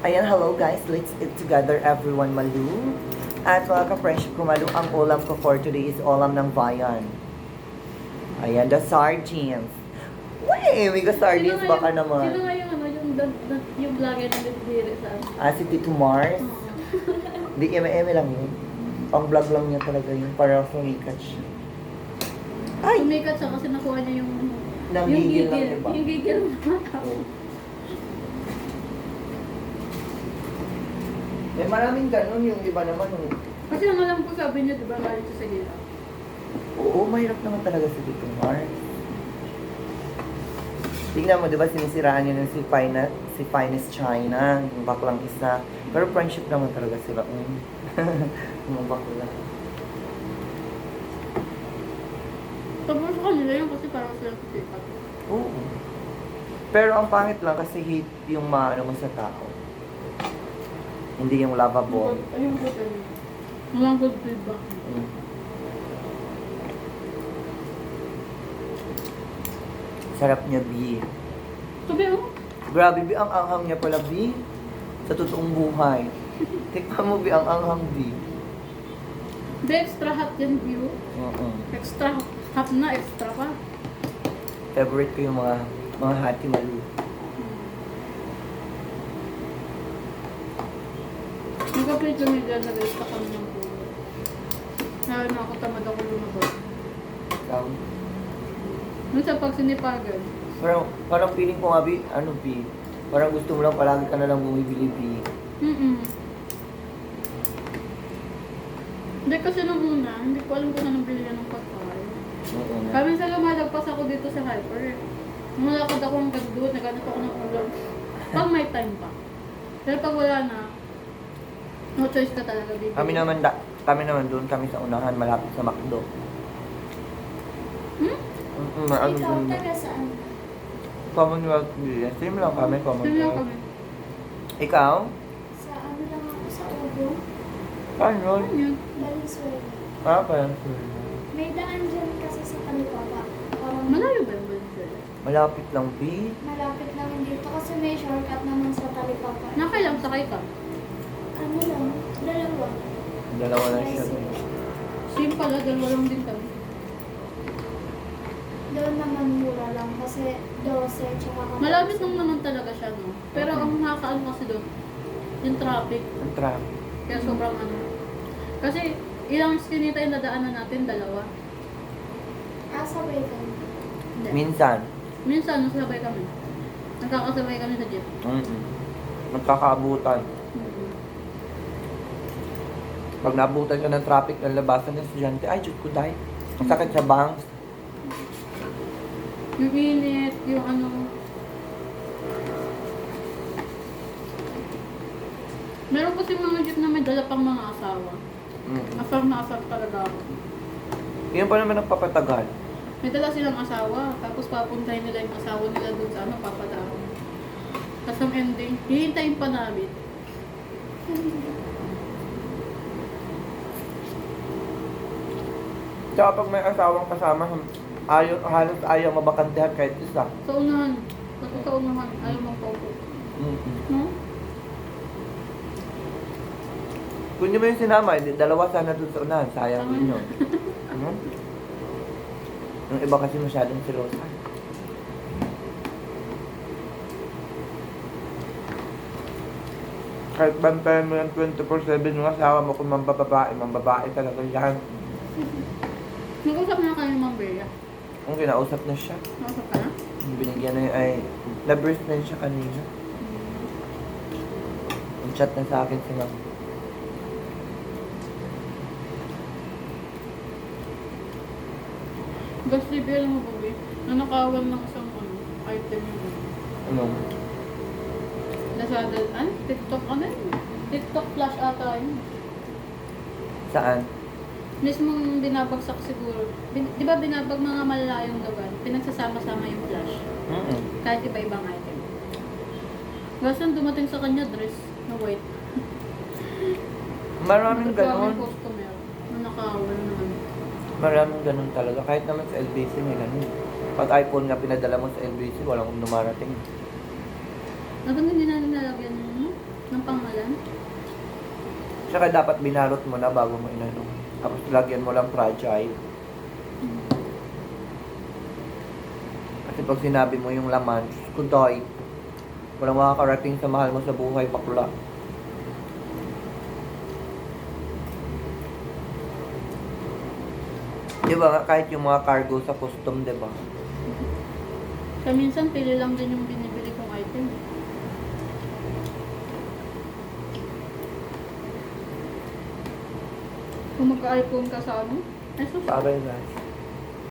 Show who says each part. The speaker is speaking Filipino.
Speaker 1: Ayan, hello guys. Let's eat together everyone, Malu. At mga ka-friendship ko, Malu, ang ulam ko for today is ulam ng bayan. Ayan, the sardines. Wey, may sardines baka
Speaker 2: Sino
Speaker 1: naman.
Speaker 2: nga yung ano, yung vlogger na nagdiri sa ano?
Speaker 1: Si Tito Mars. Di eme-eme lang yun. Pang vlog lang niya talaga yun para sumikat siya. Ay!
Speaker 2: Sumikat siya kasi nakuha niya yung
Speaker 1: Nanggigil lang, diba?
Speaker 2: Yung gigil ng mga tao.
Speaker 1: Eh, maraming ganun yung iba naman.
Speaker 2: Kasi ang alam ko sabi niya, di ba, galit siya sa hirap.
Speaker 1: Oo, mahirap naman talaga si Tito Mars. Tingnan mo, di ba, sinisiraan niya ng si Finest China, yung baklang isa. Pero friendship naman talaga sila. Yung bakla.
Speaker 2: Tapos sa kanila yun kasi parang silang sikat.
Speaker 1: Oo. Pero ang pangit lang kasi hate yung maano mo sa tao. Hindi yung lovable.
Speaker 2: Ayun ko tayo. Walang good feedback.
Speaker 1: Mm. Sarap niya, B.
Speaker 2: Sabi mo,
Speaker 1: Grabe, B, ang anghang niya pala, B. Sa totoong buhay. Tikman mo, B, ang anghang, B.
Speaker 2: the extra hot yan view.
Speaker 1: Oo.
Speaker 2: Extra hot na, extra pa.
Speaker 1: Favorite ko yung mga hati Malu.
Speaker 2: Nagka-plate lang yung nag-rest pa kami ng pulo. Nakakatamad ako lumabas.
Speaker 1: Um,
Speaker 2: Nung sa pagsinipagan,
Speaker 1: parang feeling ko nga, B, ano, B, parang gusto mo lang palagi ka na lang bumibili, B.
Speaker 2: Hindi kasi nung una, hindi ko alam kung saan nabili yan ng pagkain.
Speaker 1: Oo na.
Speaker 2: Kaya minsan lumalagpas ako dito sa Hyper. Malakad ako ng gagdut, naghanap ako ng ulam. Pag may time pa. Pero pag wala na, no choice ka talaga bibili.
Speaker 1: Kami naman doon, kami sa unahan, malapit sa McDo.
Speaker 2: Hmm?
Speaker 1: Ano
Speaker 3: Ikaw,
Speaker 1: doon?
Speaker 3: taga saan?
Speaker 1: Commonwealth Village. Same lang kami,
Speaker 2: Sino lang
Speaker 1: Commonwealth.
Speaker 2: kami?
Speaker 1: Ikaw?
Speaker 3: Sa ano lang ako, sa Ubo,
Speaker 1: Saan yun?
Speaker 2: Ano yun?
Speaker 3: Valenzuela.
Speaker 1: Parang
Speaker 3: May daan dyan kasi sa Talipapa. Parang
Speaker 2: Malayo ba yung Valenzuela?
Speaker 1: malapit lang, B.
Speaker 3: malapit naman dito kasi may shortcut naman sa Talipapa.
Speaker 2: Nakailang sakay ka?
Speaker 3: Ano lang, dalawa.
Speaker 1: Dalawa lang siya.
Speaker 2: Same pala, dalawa lang din kami.
Speaker 3: Doon naman mura lang kasi 12 tsaka kapag...
Speaker 2: Malapit lang naman talaga siya, no? Pero ang nakakaano kasi doon, yung traffic.
Speaker 1: Ang traffic.
Speaker 2: Kaya sobrang ano. Kasi ilang skinita yung nadaanan natin, dalawa.
Speaker 3: sabay ka.
Speaker 2: Hindi.
Speaker 1: Minsan.
Speaker 2: Minsan, nasabay kami. Nagkakasabay kami sa jeep.
Speaker 1: Magkakaabutan.
Speaker 2: Mm-hmm.
Speaker 1: Pag naabutan ka ng traffic ng labasan ng estudyante, ay, Diyos ko, dahil. Ang sakit sa bangs.
Speaker 2: Yung init, yung ano. Meron kasi mga jeep na may dala pang mga asawa. Asar na asar talaga ako.
Speaker 1: Yan pa naman ang papatagal.
Speaker 2: May dala silang asawa, tapos papuntahin nila yung asawa nila doon sa ano, papadaan. Tapos ang ending, hihintayin pa namin.
Speaker 1: Tsaka pag may asawang kasama, halos ayaw mabakantehan kahit isa.
Speaker 2: Sa unahan, kasi sa unahan, ayaw mong paupo. No?
Speaker 1: Kung nyo mo yung sinama, dalawa sana dun sa unahan. Sayang din yun. Yung iba kasi masyadong silosa. Kahit bantayan mo yung 24/7 yung asawa mo kung mambabae talaga yan.
Speaker 2: Nag-usap na kayo ng Ma'am Bea.
Speaker 1: Ang kinausap na siya.
Speaker 2: Nag-usap ka na?
Speaker 1: Binigyan na ay na-burst na siya kanina. Chat na sa akin si ma'am.
Speaker 2: Gas review mo ba, Bea? Nanakawan ng isang ano, item yun.
Speaker 1: Ano?
Speaker 2: Lazada, TikTok, ano yun? TikTok flash ata yun.
Speaker 1: Saan?
Speaker 2: Mismong binabagsak siguro. Di ba binabag mga malalayong lugar? Pinagsasama-sama yung flash. Kahit iba-ibang item. Gasan dumating sa kanya dress na white.
Speaker 1: Maraming
Speaker 2: Nagkawin
Speaker 1: ganon.
Speaker 2: customer. Nanakawan naman.
Speaker 1: Maraming ganon talaga. Kahit naman sa LBC may ganon. Pag iPhone nga pinadala mo sa LBC, walang dumarating.
Speaker 2: Naban hindi na nilalagyan yun, no? Ng pangalan?
Speaker 1: Tsaka dapat binalot mo na bago mo inano. Tapos lagyan mo lang fragile. Kasi pag sinabi mo yung laman, kudoy, walang makakarating sa mahal mo sa buhay, bakla. Di ba nga, kahit yung mga cargo sa custom, di ba?
Speaker 2: Kaya minsan, pili lang din yung binibili kong item. Kung magka-iPhone ka sa ano? Ay, sus.
Speaker 1: Bagay guys.